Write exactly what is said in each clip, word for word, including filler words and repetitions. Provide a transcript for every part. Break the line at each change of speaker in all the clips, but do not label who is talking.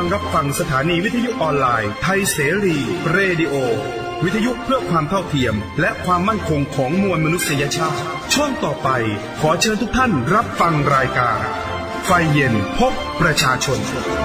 งรับฟังสถานีวิทยุออนไลน์ไทยเสรีเรดิโอวิทยุเพื่อความเท่าเทียมและความมั่นคงของมวลมนุษยชาติช่วงต่อไปขอเชิญทุกท่านรับฟังรายการไฟเย็นพบประชาชน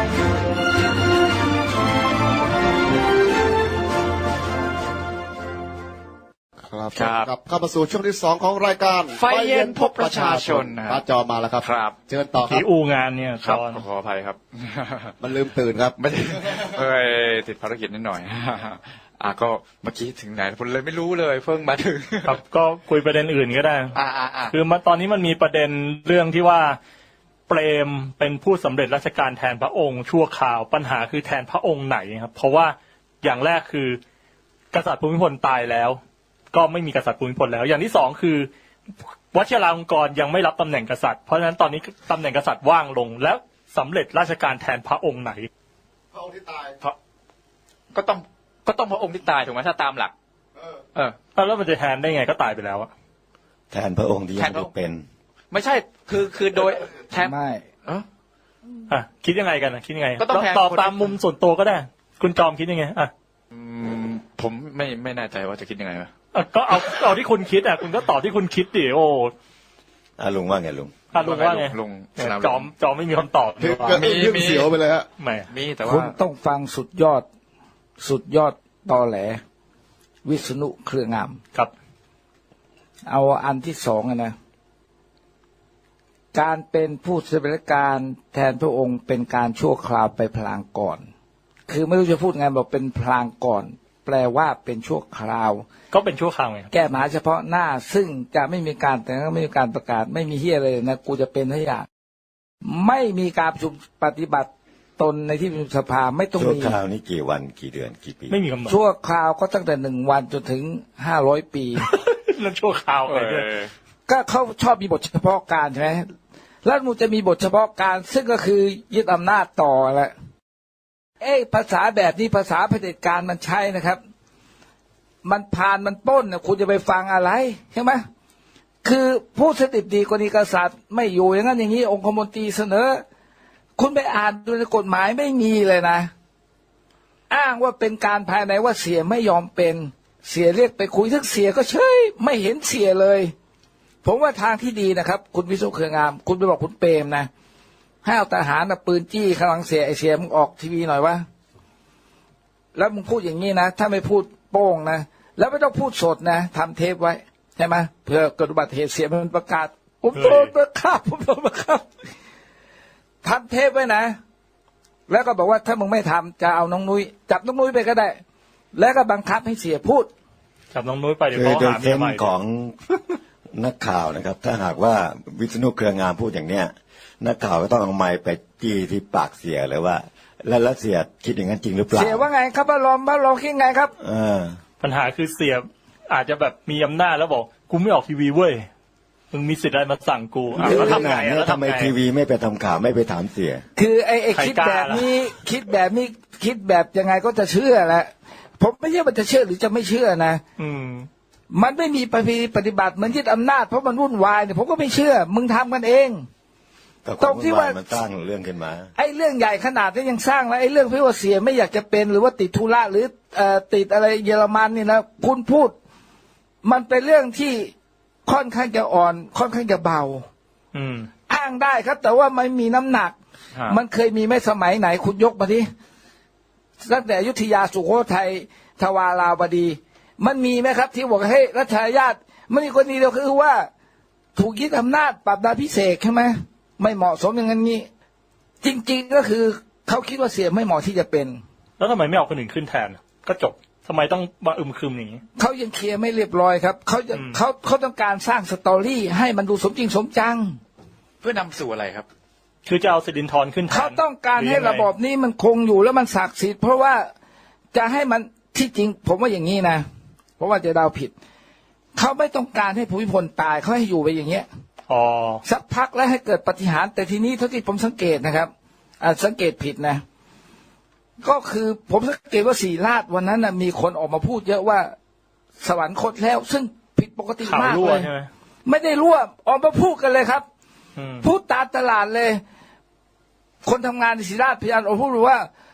ครับครับเข้ามาสู่ช่วงที่สองของรายการ
ไฟเย็นพบประชาชน
ป้าจอมาแล้วครับ
ครับ
เชิญต่อครับ
ที่อู่งานเนี่ย
ครับขออภัยครับ
มันลืมตื่นครับ
ไม่เอ้ยติดภารกิจนิดหน่อยอ่ะก็เมื่อกี้ถึงไหนผมเลยไม่รู้เลยเพิ่งมาถึง
ครับก็คุยประเด็นอื่นก็ได้
อ่าอ่าอ่า
คือมาตอนนี้มันมีประเด็นเรื่องที่ว่าเปรมเป็นผู้สำเร็จราชการแทนพระองค์ชั่วคราวปัญหาคือแทนพระองค์ไหนครับเพราะว่าอย่างแรกคือกษัตริย์ภูมิพลตายแล้วก็ไม่มีกษัตริย์ภูมิพลแล้วอย่างที่สองคือวชิราลงกรณ์ยังไม่รับตำแหน่งกษัตริย์เพราะฉะนั้นตอนนี้ตำแหน่งกษัตริย์ว่างลงแล้วสำเร็จราชการแทนพระองค์ไหน
พระองค์ที่ตาย
เพราะก็ต้องก็ต้องพระองค์ที่ตายถูกไหมถ้าตามหลักเออเออ
แล้วมันจะแทนได้ไงก็ตายไปแล้วอะ
แทนพระองค์ที่ยังไม่เป็น
ไม่ใช่คือคือโดยแทน
ไม่
เออ
อ่ะคิดยังไงกันนะคิดยังไงตอบตามมุมส่วนตัวก็ได้คุณจอมคิดยังไงอ่ะ
ผมไม่ไม่แน่ใจว่าจะคิดยังไงวะ
ก็เอาเอาที่คุณคิดอ่ะคุณก็ตอบที่คุณคิดดิโอ้
อ่ะลุงว่าไงลุง
อ่ะลุงว่าไง
ลุง
จอมจอมไม่มีคำตอบ
มีมีเสียวไปเลยฮะ
ไม่
มีแต่ว่า
คุณต้องฟังสุดยอดสุดยอดตอแหลวิษณุเครืองาม
ครับ
เอาอันที่สองนะการเป็นผู้สำเร็จราชการแทนพระองค์เป็นการชั่วคราวไปพลางก่อนคือไม่รู้จะพูดไงบอกเป็นพลางก่อนแปลว่าเป็นชั่วคราว
ก็เป็นชั่วคราวไง
แก้ปัญหาเฉพาะหน้าซึ่งจะไม่มีการแต่ก็ไม่มีการประกาศไม่มีเฮียเลยนะกูจะเป็นทุกอย่างไม่มีการประชุมปฏิบัติตนในที่ประชุมสภาไม่ต้องมีชั่วคราวนี้กี่วันกี่เดือนกี่ปี
ไม่มีกำหนด
ชั่วคราวก็ตั้งแต่หนึ่งวันจนถึงห้าร้อยปี
นั่นชั่วคราวไปด้วย
ก็เขาชอบมีบทเฉพาะการใช่ไหมแล้วมันจะมีบทเฉพาะการซึ่งก็คือยึดอำนาจต่อแหละเอ้ภาษาแบบนี้ภาษาเผด็จการมันใช้นะครับมันพานมันป้นนะคุณจะไปฟังอะไรใช่ไหมคือผู้สถิตดีกรณีกษัตริย์ไม่อยู่อย่างนั้นอย่างนี้องคมนตรีเสนอคุณไปอ่านดูในกฎหมายไม่มีเลยนะอ้างว่าเป็นการภายในว่าเสียไม่ยอมเป็นเสียเรียกไปคุยทั้งเสียก็เฉยไม่เห็นเสียเลยผมว่าทางที่ดีนะครับคุณวิศนุเครืองามคุณไปบอกคุณเปรมนะให้เอาทหารปืนจี้ข้างหลังเสียไอเสียมึงออกทีวีหน่อยวะแล้วมึงพูดอย่างนี้นะถ้าไม่พูดโป้งนะแล้วไม่ต้องพูดสดนะทำเทปไว้ใช่ไหมเพื่อเกิดอุบัติเหตุเสียมันประกาศผมโดนประกาศผมโดนประกาศทำเทปไว้นะแล้วก็บอกว่าถ้ามึงไม่ทำจะเอาน้องนุ้ยจับน้องนุ้ยไปก็ได้แล้วก็บังคับให้เสียพูด
จับน้องนุ้ยไปเดี๋ยวเขาหาเมียใหม่
ของนักข่าวนะครับถ้าหากว่าวิษณุเครืองามพูดอย่างเนี้ยนักข่าวก็ต้องเอาไมค์ไปจี้ที่ปากเสียเลยว่าแล้วแล้วเสียคิดอย่างนั้นจริงหรือเปล่าเสียว่าไงครับบ้ารอมบ้ารอคิดไงครับเออ
ปัญหาคือเสียอาจจะแบบมีอำนาจแล้วบอกกูไม่ออกทีวีเว้ยมึงมีสิทธิ์อะไรมาสั่งกู
แล้วทำไงแล้วทำไมทีวีไม่ไปทำข่าวไม่ไปถามเสียคือไอ้ไอ้คิดแบบนี้คิดแบบนี้คิดแบบยังไงก็จะเชื่อแหละผมไม่ใช่ว่าจะเชื่อหรือจะไม่เชื่อนะ
อืม
มันไม่มีปฏิบัติเหมือนยึดอำนาจเพราะมันวุ่นวายเนี่ยผมก็ไม่เชื่อมึงทำกันเองตรงที่ว่ามันสร้างเรื่องขึ้นมาไอ้เรื่องใหญ่ขนาดนี้ยังสร้างแล้วไอ้เรื่องพี่ว่าเสียไม่อยากจะเป็นหรือว่าติดธุระหรือเอ่อติดอะไรเยอรมันนี่นะคุณพูดมันเป็นเรื่องที่ค่อนข้างจะอ่อนค่อนข้างจะเบา
อืม
อ้างได้ครับแต่ว่ามันมีน้ำหนักมันเคยมีไหมสมัยไหนคุณยกมาที่ตั้งแต่อยุธยาสุโขทัยทวาราวดีมันมีไหมครับที่บอกให้รัชทายาทมันมีคนนี้เดียวคือว่าถูกยึดอำนาจปรับดาพิเศษใช่ไหมไม่เหมาะสมอย่างนั้นนี้จริงๆก็คือเขาคิดว่าเสียไม่เหมาะที่จะเป็น
แล้วทำไมไม่เอาคนอื่นขึ้นแทนก็จบทำไมต้องมาอึมครึมอย่างนี้
เขายังเคลียร์ไม่เรียบร้อยครับเขาจะเขาเขาต้องการสร้างสตอรี่ให้มันดูสมจริงสมจัง
เพื่อนำสู่อะไรครับ
คือจะเอาสิรินธรขึ้นแทน
เขาต้องการให้ระบบนี้มันคงอยู่แล้วมันศักดิ์สิทธิ์เพราะว่าจะให้มันที่จริงผมว่าอย่างนี้นะเพราะว่าจะเดาผิดเขาไม่ต้องการให้ภูมิพลตายเขาให้อยู่ไปอย่างเงี้ย
อ๋อ
สักพักแล้วให้เกิดปาฏิหาริย์แต่ทีนี้เท่าที่ผมสังเกตนะครับอ่าสังเกตผิดนะก็คือผมสังเกตว่าศรีราชวันนั้นนะมีคนออกมาพูดเยอะว่าสวรรคตแล้วซึ่งผิดปกติมากเลยไม่ได้รั่วออกมาพูดกันเลยครับพูดตามตลาดเลยคนทำงานในศรีราชพยานออกมาพูดว่า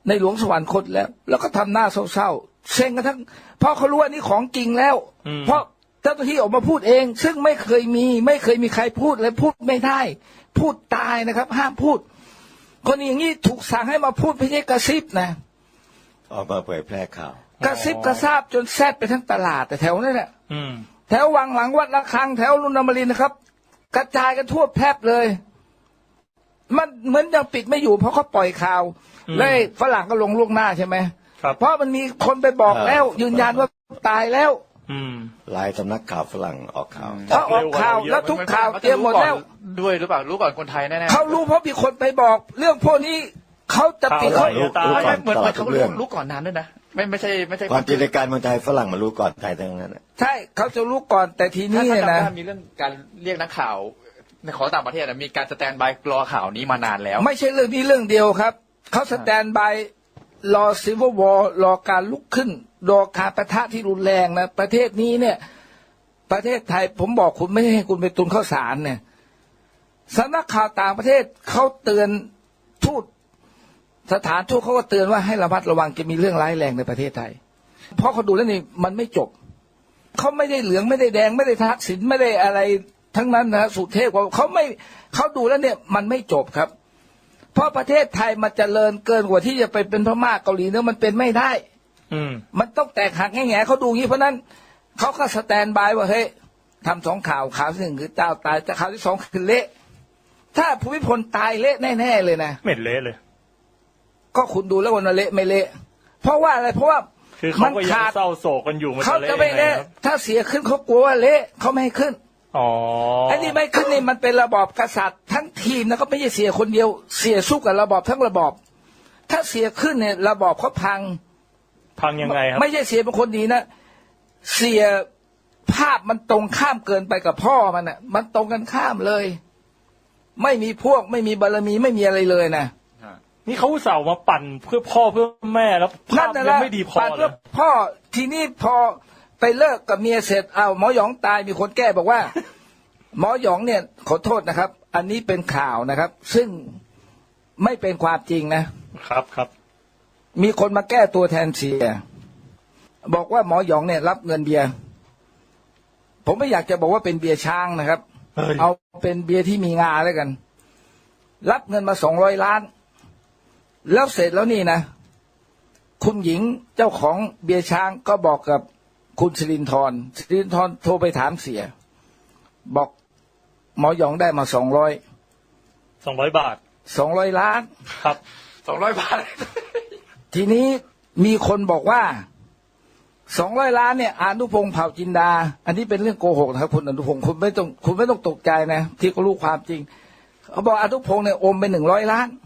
ในหลวงสวรรคตแล้ว แล้วก็ทำหน้าเศร้าๆเซ็งกันทั้งเพราะเขารู้ว่านี่ของจริงแล้ว เพราะเจ้าหน้าที่ออกมาพูดเอง ซึ่งไม่เคยมีไม่เคยมีใครพูดและพูดไม่ได้พูดตายนะครับห้ามพูดคนอย่างนี้ถูกสั่งให้มาพูดไม่ใช่กระซิบนะ
ออกมาเผยแพร่ข่าว
กระซิบกระซาบจนแซดไปทั้งตลาดแต่แถวนั้นแหละแถววังหลังวัดระฆังแถวลุนนมรินทร์นะครับกระจายกันทั่วแพร่เลยมันเหมือนยังปิดไม่อยู่เพราะเขาปล่อยข่าวแล้วฝรั่งก็ลงล่วงหน้าใช่ไหมเพราะมันมีคนไปบอกแล้วยืนยันว่าตายแล้ว
หลายสำนักข่าวฝรั่งออกข่าว
เขาออกข่าวแล้วทุกข่าวเตรียมหมดแล้ว
ด้วยหรือเปล่ารู้ก่อนคนไทยแน่ๆ
เขารู้เพราะมีคนไปบอกเรื่องพวกนี้เขาจะติดเขา
ไม่เหมือนเขารู้ก่อนนานด้วยนะไม่ไม่ใช่ไม่ใช่
ความจริงในการเมืองไทยฝรั่งมารู้ก่อนไทยทั้งนั้น
ใช่เขาจะรู้ก่อนแต่ทีนี้นะ
มีเรื่องการเรียกนักข่าวในของต่างประเทศมีการสแตนบายรอข่าวนี้มานานแล้ว
ไม่ใช่เรื่องนี้เรื่องเดียวครับเขาสแตนบายรอซิววอร์รอการลุกขึ้นรอการปะทะที่รุนแรงนะประเทศนี้เนี่ยประเทศไทยผมบอกคุณไม่ให้คุณไปตุนข้าวสารเนี่ยสำนักข่าวต่างประเทศเขาเตือนทูตสถานทูตเขาก็เตือนว่าให้ระมัดระวังจะมีเรื่องร้ายแรงในประเทศไทยเพราะเขาดูแล้วนี่มันไม่จบเขาไม่ได้เหลืองไม่ได้แดงไม่ได้ทักษิณไม่ได้อะไรทั้งนั้นนะสุเทพเขาไม่เขาดูแล้วเนี่ยมันไม่จบครับเพราะประเทศไทยมันจเจริญเกินกว่าที่จะไปเป็นพม่าเกาหลีเนี่ยมันเป็นไม่ได้ อืมมันต้องแตกหักแง่ๆเขาดูงี้เพราะนั้นเขาก็สแตนบายว่าเฮ้ยทำสองข่าวข่าวที่หนึ่งคือเจ้าตายแต่ข่าวที่สองคือเละถ้าภูมิพลตายเละแน่ๆเลยนะ
ไม่เละเลย
ก็คุณดูแล้ววันเละไม่เละเพราะว่าอะไรเพราะว่า
คือเขาก็ยังเศร้าโศกกันอยู่
เขาจะไม่เละถ้าเสียขึ้นเขากลัวว่าเละเขาไม่ให้ขึ้น
อ๋อ
ไอ้นี่ไม่ขึ้นนี่มันเป็นระบอบกษัตริย์ทั้งทีมนะก็ไม่ใช่เสียคนเดียวเสียสู้กับระบอบทั้งระบอบถ้าเสียขึ้นเนี่ยระบอบเขาพัง
พังยังไงครับ
ไม่ใช่เสียเป็นคนดีนะเสียภาพมันตรงข้ามเกินไปกับพ่อมันอ่ะมันตรงกันข้ามเลยไม่มีพวกไม่มีบารมีไม่มีอะไรเลยนะ
นี่เขาอุตส่าห์มาปั่นเพื่อพ่อเพื่อแม่แล้วภาพยังไม่ดีพอเลย
พ่อทีนี้พอไปเลิกกับเมียเสร็จเอาหมอหยองตายมีคนแก้บอกว่าหมอหยองเนี่ยขอโทษนะครับอันนี้เป็นข่าวนะครับซึ่งไม่เป็นความจริง
นะครับครับ
มีคนมาแก้ตัวแทนเสียบอกว่าหมอหยองเนี่ยรับเงินเบียร์ผมไม่อยากจะบอกว่าเป็นเบียร์ช้างนะครับเอาเป็นเบียร์ที่มีงาแล้วกันรับเงินมาสองร้อยล้านแล้วเสร็จแล้วนี่นะคุณหญิงเจ้าของเบียร์ช้างก็บอกกับคุณสิรินทร์สิรินทร์โทรไปถามเสียบอกหมอหยองได้มาสองร้อย
สองร้อยบาท
สองร้อยล้าน
ครับ
สองร้อยบาท
ทีนี้มีคนบอกว่าสองร้อยล้านเนี่ยอนุพงษ์เผ่าจินดาอันนี้เป็นเรื่องโกหกนะครับคุณอนุพงษ์คุณไม่ต้องคุณไม่ต้องตกใจนะที่เขารู้ความจริงเขาบอกอนุพงษ์เนี่ยอมไปหนึ่งร้อยล้าน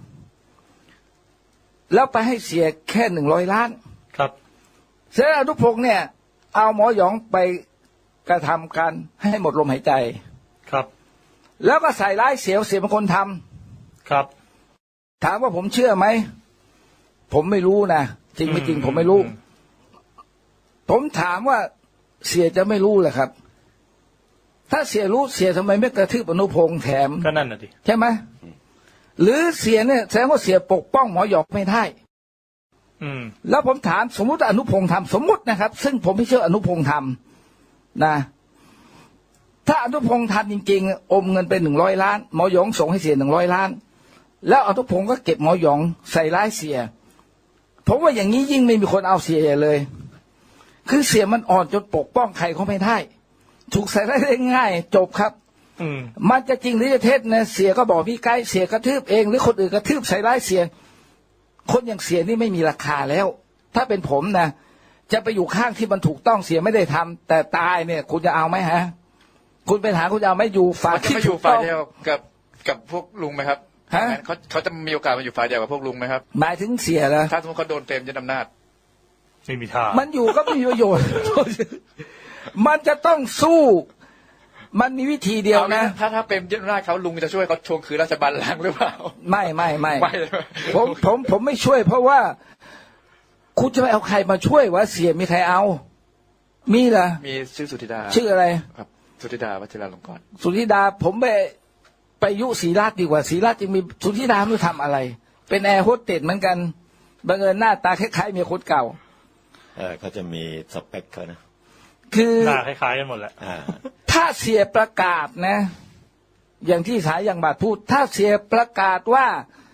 แล้วไปให้เสียแค่หนึ่งร้อยล้าน
ครับ
เสร็จอนุพงษ์เนี่ยเอาหมอหยองไปกระทำการให้หมดลมหายใจ
ครับ
แล้วก็ใส่ร้ายเสียเสียเป็นคนท
ำครับ
ถามว่าผมเชื่อไหมผมไม่รู้นะจริงไม่จริงผมไม่รู้ผมถามว่าเสียจะไม่รู้เหรอครับถ้าเสียรู้เสียทำไมไม่กระทืบอนุพงษ์แถม
ก็นั่นน่ะดิ
ใช่ไหมหรือเสียเนี่ยแสดงว่าเสียปกป้องหมอหยองไม่ได้
อืม
แล้วผมถามสมมุติอนุพงษ์ทำสมมุตินะครับซึ่งผมไม่เชื่ออนุพงษ์ทำนะถ้าอนุพงษ์ทำจริงๆอมเงินไปหนึ่งร้อยล้านหมอหยองส่งให้เสียหนึ่งร้อยล้านแล้วอนุพงษ์ก็เก็บหมอหยองใส่ร้ายเสียผมว่าอย่างนี้ยิ่งไม่มีคนเอาเสียเลยคือเสียมันอ่อนจนปกป้องใครเขาไม่ได้ถูกใส่ร้ายได้ง่ายจบครับมันจะจริงหรือจะเท็จนะเสียก็บอกพี่ไกด์เสียกระทืบเองหรือคนอื่นกระทืบใส่ร้ายเสียคนอย่างเสียนี่ไม่มีราคาแล้วถ้าเป็นผมนะจะไปอยู่ข้างที่มันถูกต้องเสียไม่ได้ทำแต่ตายเนี่ยคุณจะเอาไหมฮะคุณเป็นหาคุณจะเอาไหมอยู่ฝ่ายที่
ถูกต้องเดียวกับกับพวกลุงไหมครับฮะเขาเขาจะมีโอกาสมาอยู่ฝ่ายเดียวกับพวกลุงไหมครับ
หมายถึงเสียนะ
ถ้าสมมติเขาโดนเต็มยึดอำนาจ
ไม่มีทาง
มันอยู่ก็ไม่มีประโยชน์มันจะต้องสู้มันมีวิธีเดียวนะ
ถ้าถ้าเป็นยึดอำนาจเขาลุงจะช่วยเขาทวงคืนราชบัลลังก์หรือเปล่า
ไม่ไม่ไม่ผมผมผมไม่ช่วยเพราะว่าคุณจะไปเอาใครมาช่วยวะเสียมีใครเอามีเหรอ
มีชื่อสุธิดา
ชื่ออะไร
ครับสุธิดาวชิราลงกรณ์
สุธิดาผมไปไปยุศรีราชดีกว่าศรีราชยังมีสุธิดาไม่ทำอะไรเป็นแอร์โฮสเตสเหมือนกันบังเอิญหน้าตาคล้ายๆเมียคนเก่า
เออเขาจะมีสเปคเขานะ
คือ
หน้าคล้ายๆกันหมดแหละ
ถ้าเสียประกาศนะอย่างที่สายอย่างบาทพูดถ้าเสียประกาศว่า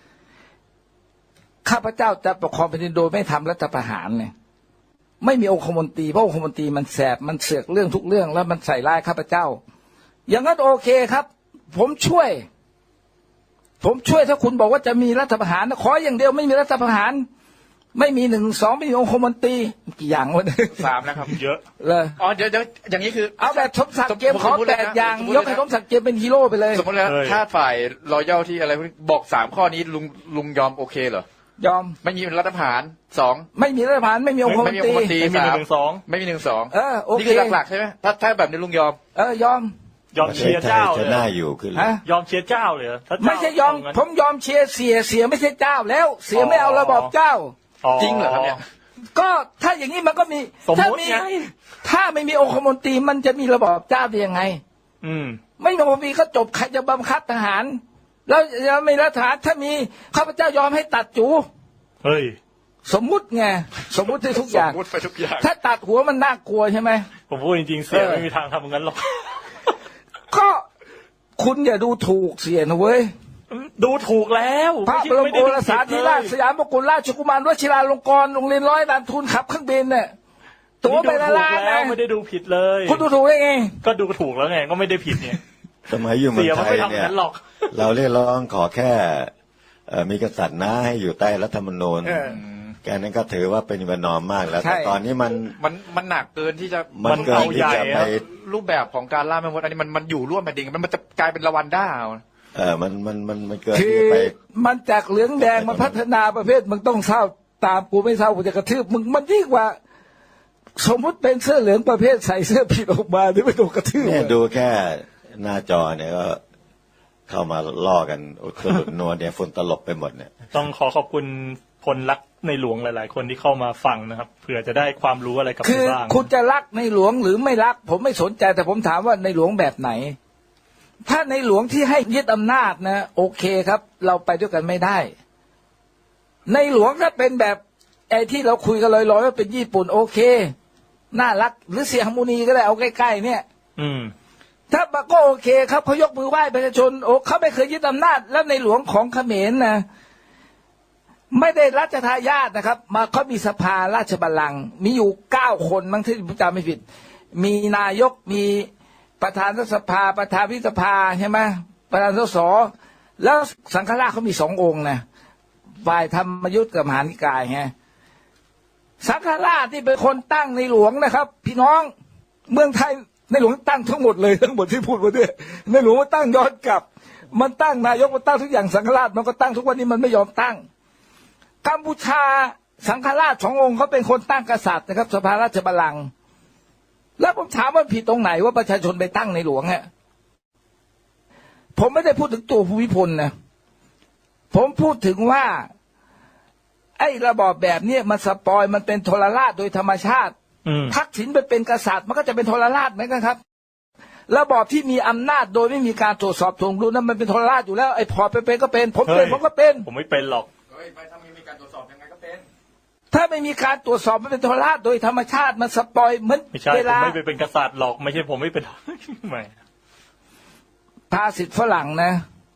ข้าพเจ้าจะปกครองแผ่นดินโดยไม่ทำรัฐประหารเนี่ยไม่มีองคมนตรีเพราะองคมนตรีมันแสบมันเสือกเรื่องทุกเรื่องแล้วมันใส่ร้ายข้าพเจ้าอย่างนั้นโอเคครับผมช่วยผมช่วยถ้าคุณบอกว่าจะมีรัฐประหารขออย่างเดียวไม่มีรัฐประหารไม่มีหนึ่งสองไม่มีองคมนตรีกี่อย่างวะเนี่ย
สามนะครับเยอะ
เลย
อ๋อเดี๋ยวอย่างนี้คือ
เอาแบบสมศักดิ์เกมขอแปดอย่างยกให้สมศักดิ์เกมเป็นฮีโร่ไปเลย
สมมติแล้วถ้าฝ่ายรอยัลที่อะไรบอกสามข้อนี้ลุงลุงยอมโอเคเหรอย
อม
ไม่มีรัฐประหารสอง
ไม่มีรัฐประหารไม่มีองคมนตรี
ไม่มีหนึ่งสองไม่มีหนึ่งสอง
เออโอเค
นี่คือหลักๆใช่ไหมถ้าถ้าแบบนี้ลุงยอม
เออยอม
ยอมเชียร์เจ้า
จะน่าอยู่ขึ้น
ยอมเชียร์เจ้าเลย
ไม่ใช่ยอมผมยอมเชียร์เสียเสียไม่ใช่เจ้าแล้วเสียไม่เอาระบอบเจ้า
จริงเหรอครับเนี่ย
ก็ถ้าอย่างนี้มันก็มีถ้ามีถ้าไม่มีองคมนตรีมันจะมีระบอบเจ้าได้ยังไง
อืม
ไม่มีองคมนตรีก็จบใครจะบังคับทหารแล้วยังไม่รัฐาถ้ามีข้าพเจ้ายอมให้ตัดจู
เฮ้ย
สมมุติไงสมมุติทุกอย่าง
สมมุติไปทุกอย่าง
ถ้าตัดหัวมันน่ากลัวใช่ไหม
ผมพูดจริงๆเสียไม่มีทางทำงั้นหรอก
ก็คุณอย่าดูถูกเสียนะเว้ย
ดูถูกแล้ว
พระบรมโอรสาธิราชสยามกุฎราชกุมารวชิราลงกรณ์โรงเรียนร้อยล้านทุนขับเครื่องบินเนี่ยตัวไปละล้าน
นะไม่ได้ดูผิดเลย
คุณดูถูกได้ไง
ก็ดูถูกแล้วไงก็ไม่ได้ผิดเนี่ย
สมัยอยู่เมืองไทยเนี่ยเราเรียกร้องขอแค่มีกษัตริย์นะให้อยู่ใต้รัฐธรรมนูญแกนั้นก็ถือว่าเป็นประนอมมากแล้วแต่ตอนนี้มัน
มันมันหนักเกินที่จะ
มันเกินที่จะไป
รูปแบบของการล่าแม่มดอันนี้มันมันอยู่ร่วมแผ่นดินมันมันจะกลายเป็นละวันด้า
เออมันมันมันมันเกิด
ที่ไปมันจากเหลืองแดงมันพัฒนาประเภทมึงต้องเศร้าตามกูไม่เศร้ากูจะกระทืบมึงมันยิ่งกว่าสมมติเป็นเสื้อเหลืองประเภทใส่เสื้อผิดออกมาที่ไม่โดนกระทืบ
เนี่ยดูแค่หน้าจอเนี่ยก็เข้ามาล่อกันอุตลุดนวลเนี่ยฝุ่นตลบไปหมดเนี่ย
ต้องขอขอบคุณคนรักในหลวงหลายๆคนที่เข้ามาฟังนะครับเผื่อจะได้ความรู้อะไรกับ
คุณบ้างคือคุณจะรักในหลวงหรือไม่รักผมไม่สนใจแต่ผมถามว่าในหลวงแบบไหนถ้าในหลวงที่ให้ยึดอำนาจนะโอเคครับเราไปด้วยกันไม่ได้ในหลวงถ้าเป็นแบบไอ้ที่เราคุยกันลอยๆว่าเป็นญี่ปุ่นโอเคน่ารักหรือเสียฮาร์โมนีก็ได้เอาใกล้ๆเนี่ย
อืม
ถ้าก็โอเคครับเขายกมือไหว้ประชาชนโอ้เขาไม่เคยยึดอำนาจแล้วในหลวงของเขมรนะไม่ได้รัชทายาทนะครับมาเขามีสภาราชบัลลังก์มีอยู่เก้าคนมั้งที่ผมจำไม่ผิดมีนายกมีประธานรัฐสภาประธานวิสภาใช่ไหมประธานสสแล้วสังฆราชเขามีสององค์นะฝ่ายธรรมยุทธ์กับมหานิกายไงสังฆราชที่เป็นคนตั้งในหลวงนะครับพี่น้องเมืองไทยในหลวงตั้งทั้งหมดเลยทั้งหมดที่พูดมาเนี่ยในหลวงมันตั้งย้อนกลับมันตั้งนายกมันตั้งทุกอย่างสังฆราชมันก็ตั้งทุกวันนี้มันไม่ยอมตั้งกัมพูชาสังฆราชสององค์เขาเป็นคนตั้งกษัตริย์นะครับสภาราชบัลลังก์แล้วผมถามว่าผิดตรงไหนว่าประชาชนไปตั้งในหลวงฮะผมไม่ได้พูดถึงตัวภูมิพลนะผมพูดถึงว่าไอ้ระบอบแบบนี้มันสปอยมันเป็นทรราชโดยธรรมชาติทักษิณไปเป็นกษัตริย์มันก็จะเป็นทรราชเหมือนกันครับระบอบที่มีอำนาจโดยไม่มีการตรวจสอบทวงดุลนั้นมันเป็นทรราชอยู่แล้วไอ้พอไปเป็นก็เป็นผมเป็นผมก็เป็น
ผมไม่เป็นหรอก
ถ้าไม่มีการตรวจสอบยังไงก็เป็น
ถ้าไม่มีการตรวจสอบมันเป็นทรราชโดยธรรมชาติมันสปอยเหมือน
เวลาผมไม่เป็นกษัตริย์หรอกไม่ใช่ผมไม่เป็นไม่
ภาษิตฝรั่งนะ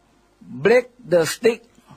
break the stick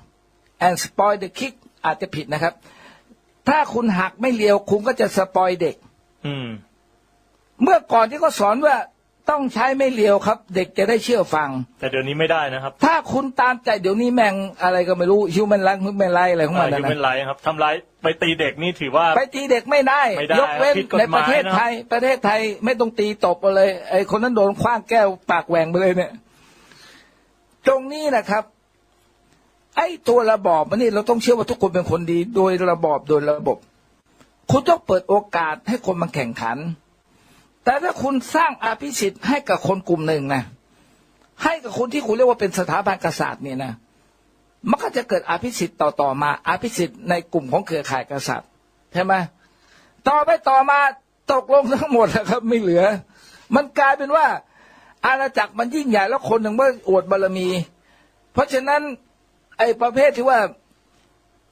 and spoil the kick อาจจะผิดนะครับถ้าคุณหักไม่เลียวคุณก็จะสปอยเด็ก
อืม
เมื่อก่อนที่เขาสอนว่าต้องใช้ไม่เลียวครับเด็กจะได้เชื่อฟัง
แต่เดี๋ยวนี้ไม่ได้นะครับ
ถ้าคุณตามใจเดี๋ยวนี้แม่งอะไรก็ไม่รู้ฮิวแมนไลท์ฮิวแมนไลท์อะไรของมันนะ
ฮิวแมนไลท์ครับทำร้ายไปตีเด็กนี่ถือว่า
ไปตีเด็กไม่ได้ยกเว้นในประเทศไทยประเทศไทยไม่ต้องตีตบเลยไอ้คนนั้นโดนคว้างแก้วปากแหว่งไปเลยเนี่ยตรงนี้นะครับไอ้ตัวระบอบมันนี่เราต้องเชื่อว่าทุกคนเป็นคนดีโดยระบอบโดยระบบคุณต้องเปิดโอกาสให้คนมาแข่งขันแต่ถ้าคุณสร้างอภิสิทธิ์ให้กับคนกลุ่มหนึ่งนะให้กับคนที่คุณเรียกว่าเป็นสถาบันกษัตริย์เนี่ยนะมันก็จะเกิดอภิสิทธิ์ต่อต่อมาอภิสิทธิ์ในกลุ่มของเครือข่ายกษัตริย์ใช่ไหมต่อไปต่อมาตกลงทั้งหมดนะครับไม่เหลือมันกลายเป็นว่าอาณาจักรมันยิ่งใหญ่แล้วคนหนึ่งว่าอวดบารมีเพราะฉะนั้นไอ้ประเภทที่ว่า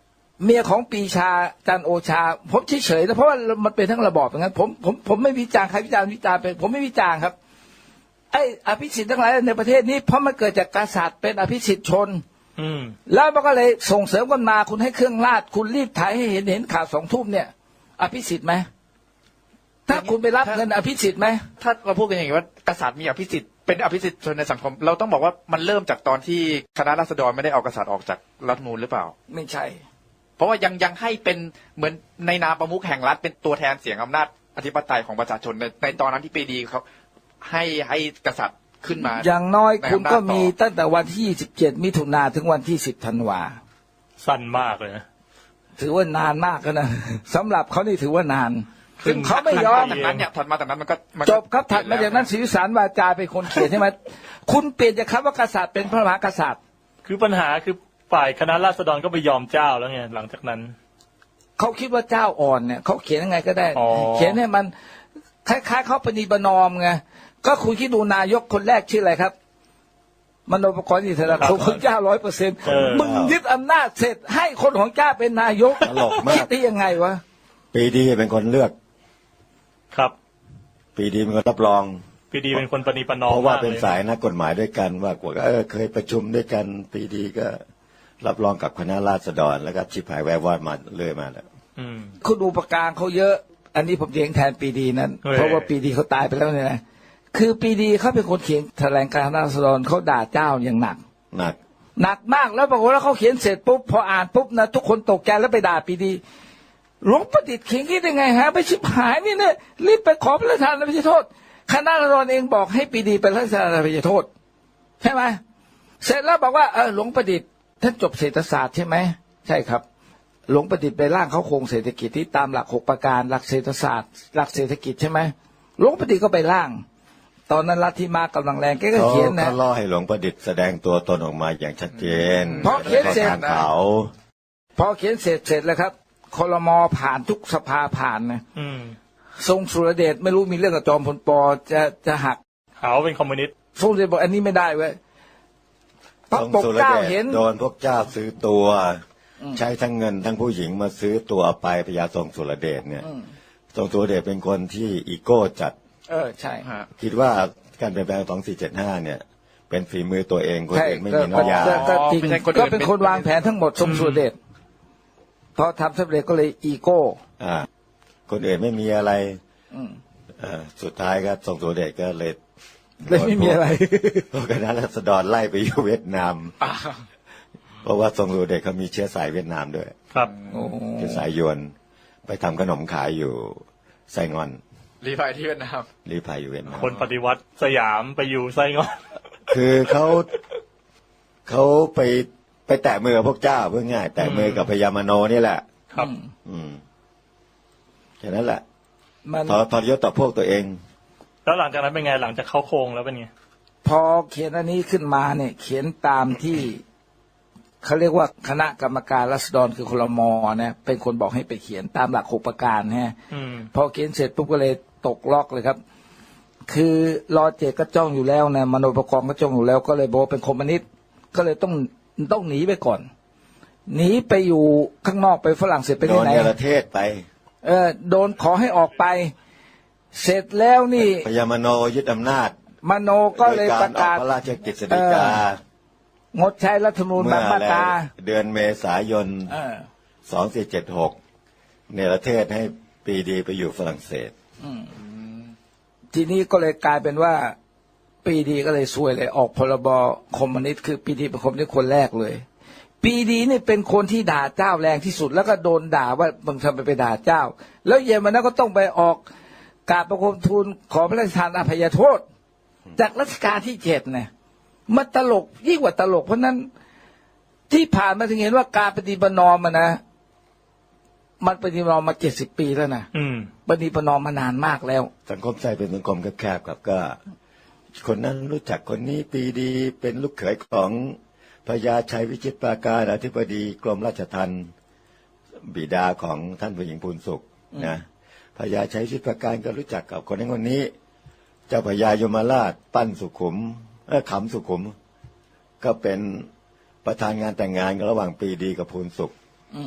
เมียของปีชาจันทร์โอชาผมเฉยๆนะเพราะว่ามันเป็นทั้งระบอบอย่างนั้นผมผมผมไม่วิจารณ์ใครวิจารณ์วิจารณ์ไปผมไม่วิจารณ์ครับไอ้อภิสิทธิ์ทั้งหลายในประเทศนี้เพราะมันเกิดจากกษัตริย์เป็นอภิสิทธิ์ชน
อืม
แล้วมันก็เลยส่งเสริมกันมาคุณให้เครื่องราชคุณรีบถ่ายให้เห็นเห็นข่าวสองทุ่มเนี่ยอภิสิทธิ์ไหมถ้าคุณไปรับเงินอภิสิทธิ์ไหม
ถ้าเราพูดกันอย่างนี้ว่ากษัตริย์มีอภิสิทธิ์เป็นอภิสิทธิ์ชนในสังคมเราต้องบอกว่ามันเริ่มจากตอนที่คณะราษฎรไม่ได้เอากษัตริย์ออกจากรัฐธรรมนูญหรือเปล่า
ไม่ใช่
เพราะว่ายังยังให้เป็นเหมือนในนามประมุขแห่งรัฐเป็นตัวแทนเสียงอำนาจอธิปไตยของประชาชนในในตอนนั้นที่ปรีดีเขาให้ให้กษัตริย์ขึ้นมา
อย่างน้อยคุณก็มีตั้งแต่วันที่ยี่สิบเจ็ดมิถุนาถึงวันที่สิบธันวา
สั้นมากเลยนะ
ถือว่านานมากนะสำหรับเขานี่ถือว่านานซึ่งเขาไม่ยอม
จากนั้นเนี่ยถัดมาจากนั้นมันก็
จบครับถัดมาจากนั้นศรีวิสารวาจาเป็นคนเขียนใช่ไหมคุณเปลี่ยนจากคำว่ากษัตริย์เป็นพระมหากษัตริย์
คือปัญหาคือฝ่ายคณะราษฎรก็ไปยอมเจ้าแล้วไงหลังจากนั้น
เขาคิดว่าเจ้าอ่อนเนี่ยเขาเขียนยังไงก็ได้เขียนให้มันคล้ายๆเขาปณีประนอมไงก็คุณคิดดูนายกคนแรกชื่ออะไรครับมโนปกรณ์อิสระของเจ้าร้อยเปอร์เซ็นต์มึงยึดอำนาจเสร็จให้คนของเจ้าเป็นนายกคิดได้ยังไงวะ
ปรีดีเป็นคนเลือก
ครับ
ปรีดีเป็นคนรับรอง
ปรีดีเป็นคนปณีประนอม
เพราะว่าเป็นสายนักกฎหมายด้วยกันว่ากว่าเออเคยประชุมด้วยกันปรีดีก็รับรองกับคณะราษฎรแล้วก็ชิบหายแวววอดมาเรื่อยมาแล้ว
คุณดูประการเขาเยอะอันนี้ผมเถียงแทนปรีดีนั้นเพราะว่าปรีดีเขาตายไปแล้วเนี่ยนะคือปรีดีเขาเป็นคนเขียนแถลงการราษฎรเขาด่าเจ้าอย่างหนัก
หนัก
หนักมากแล้วปรากฏว่าเขาเขียนเสร็จปุ๊บพออ่านปุ๊บนะทุกคนตกใจแล้วไปด่าปรีดีหลวงประดิษฐ์เขียนคิดยังไงฮะไปชิบหายนี่เนี่ยรีบไปขอพระราชทานอภัยโทษคณะราษฎรเองบอกให้ปรีดีเป็นพระราชทานอภัยโทษใช่ไหมเสร็จแล้วบอกว่าเออหลวงประดิษฐ์ท่านจบเศรษฐศาสตร์ใช่ไหมใช่ครับหลวงประดิษฐ์ไปร่างเขาโครงเศรษฐกิจที่ตามหลักหกประการหลักเศรษฐศาสตร์หลักเศรษฐกิจใช่ไหมหลวงประดิษฐ์ก็ไปร่างตอนนั้นลัทธิมากำลังแรงแกก็เขียนนะ
เขาล่อให้หลวงประดิษฐ์แสดงตัวตนออกมาอย่างชัดเจน
พอเขียนเสร็จเขาพอเขียนเสร็จเสร็จแล้วครับคลม.ผ่านทุกสภาผ่านนะทรงสุรเดชไม่รู้มีเรื่องกับจอมพลป.จะจะหัก
เขาเป็นคอมมิวนิสต์
ทรงสุรเดชบอกอันนี้ไม่ได้เว้ยพระปกเกล้าเห็น
โดนพวกเจ้าซื้อตัวใช้ทั้งเงินทั้งผู้หญิงมาซื้อตัวไปพญาทรงสุรเดชเนี่ยทรงสุรเดชเป็นคนที่อีโก้จัด
เออใช่
คิดว่าการเปลี่ยนแปลงสองสี่เจ็ดห้าเนี่ยเป็นฝีมือตัวเองคนอื่นไม่มีน้อยา
ก็เป็นคนวางแผนทั้งหมดทรงสุรเดชพอทำสำเร็จก็เลยอีโก้
อ่าคนอื่นไม่มีอะไรอ่าสุดท้ายก็ทรงสุรเดชก็เลย
เลยไม่มีอะไร
พวกคณะราษฎรไล่ไปอยู่เวียดนามเพราะว่าทรงสุรเดชเขามีเชื้อสายเวียดนามด้วย
ครับ
เชื้อสายยวนไปทำขนมขายอยู่ไซงอน
รีพายที่เวียดนาม
รีพายอยู่เวียดนาม
คนปฏิวัติสยามไปอยู่ไซงอน
คือเขาเขาไปไปแตะมือกับพวกเจ้าเพื่อง่ายแตะมือกับพญามโนนี่แหละ
ครับ
อืมแค่นั้นแหละพอพอยศต่อพวกตัวเอง
แล้วหลังจากนั้นเป็นไงหลังจากเข้าโครงแล้วเป็นไง
พอเขียนอันนี้ขึ้นมาเนี่ยเขียนตามที่เขาเรียกว่าคณะกรรมการราษฎรคือคลม.เนี่ยเป็นคนบอกให้ไปเขียนตามหลักหกประการฮะพอเขียนเสร็จปุ๊บก็เลยตกล็อกเลยครับคือรอเจก็จ้องอยู่แล้วนะมโนประกอบก็จ้องอยู่แล้วก็เลยบอกเป็นคอมมิวนิสต์ก็เลยต้องต้องหนีไปก่อนหนีไปอยู่ข้างนอกไปฝรั่งเศสไปที่ไหน
โดนประเทศไป
เออโดนขอให้ออกไปเสร็จแล้วนี่
พญามโนยึดอำนาจ
มโนก็เลยประกาศ
พระราชกฤษฎีก
างดใช้รัฐธรรมนูญบางมาตรา
เดือนเมษายนสองสี่เจ็ดหกเนรเทศให้ปรีดีไปอยู่ฝรั่งเศส
ทีนี้ก็เลยกลายเป็นว่าปรีดีก็เลยซวยเลยออกพรบคอมมิวนิสต์คือปรีดีเป็นคอมมิวนิสต์คนแรกเลยปรีดีนี่เป็นคนที่ด่าเจ้าแรงที่สุดแล้วก็โดนด่าว่ามึงทำไปไปด่าเจ้าแล้วเย็นวันนั้นก็ต้องไปออกกราบประคมทูลขอพระราชทานอภัยโทษจากรัชกาลที่เจ็ดเนี่ยมันตลกยิ่งกว่าตลกเพราะนั้นที่ผ่านมาถึงเห็นว่าการปฏิบัตินอมนะมันปฏิบัตินอมมาเจ็ดสิบปีแล้วนะปฏิบัตินอมมานานมากแล้ว
สังคมไทยเป็นสังคมแคบๆครับก็คนนั้นรู้จักคนนี้ปรีดีเป็นลูกเขยของพญาชัยวิจิตรปราการอธิบดีกรมราชทัณฑ์บิดาของท่านผู้หญิงพูนสุขนะพญาชัยวิจิตรปราการก็รู้จักกับคนนั้นคนนี้เจ้าพญายมราชปั้นสุขุมเออขำสุขุมก็เป็นประธานงานแต่งงานระหว่างปรีดีกับพูนสุข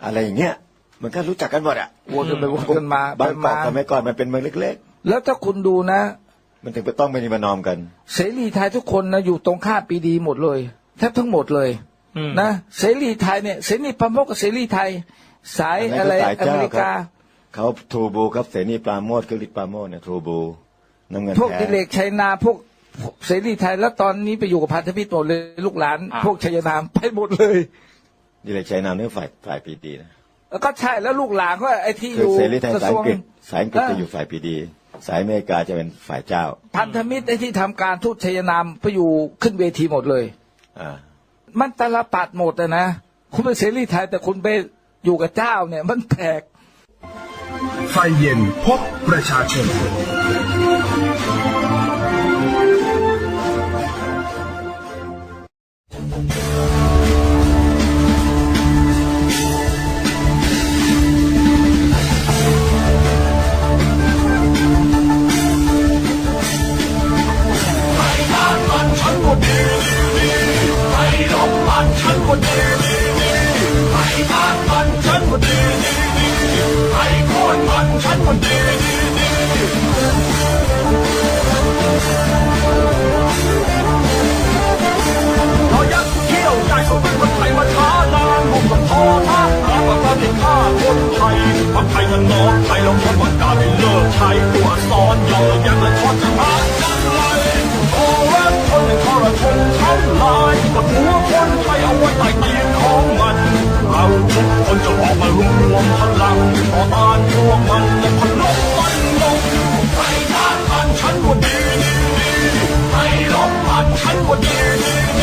อะไรอย่างเงี้ยมันก็รู้จักกันหมดอ่ะ
วนกันไปวนกันมา
บางเกาะสมัยก่อนมันเป็นเมืองเล็ก
แล้วถ้าคุณดูนะ
ๆมันถึงต้องไปนิมานอมกัน
เสรีไทยทุกคนนะอยู่ตรงข้ามปรีดีหมดเลยแทบทั้งหมดเลยนะเสรีไทยเนี่ยเสรีปราโมชกับเสรีไทยสายอะไรอเมริกา
เขาทรูบูครับเสรีปราโมชคือฤทธิ์ปราโมชเนี่ยทรูบูน้ำเงิน
พวกดิเลกชัยนาพวกเสรีไทยแล้วตอนนี้ไปอยู่กับพันธมิตรหมดเลยลูกหลานพวกชัยนามไปหมดเลย
ดิเลกชัยนามนี่ฝ่ายฝ่ายปีดีนะ
แล้วก็ใช่แล้วลูกหลานก็ไอ้ที่อยู่
เสรีไทยสายอังกฤษสายอังกฤษจะอยู่ฝ่ายปีดีสายอเมริกาจะเป็นฝ่ายเจ้า
พันธมิตรไอ้ที่ทำการทูตชัยนามไปอยู่ขึ้นเวทีหมดเลย
อ่า
มันตลปัดหมดนะคุณเป็นเสรีไทยแต่คุณไปอยู่กับเจ้าเนี่ยมันแปลก
ไฟเย็นพบประชาชน
ไทยกันน้องไทยเราคนวันกาไม่เลิกใช้ตัวซ้อนเยอะยังละทอดจะหาจังไรโอ้รักคนในทรชนทั้งลายกับหัวคนไทยเอาไว้ใต้เตียงของมันเราทุกคนจะออกมารวมพลังต่อต้านพวกมันและพลุมันลงไทยทางมันฉันว่าดีดีดีไทยลบมันฉันว่าดีดี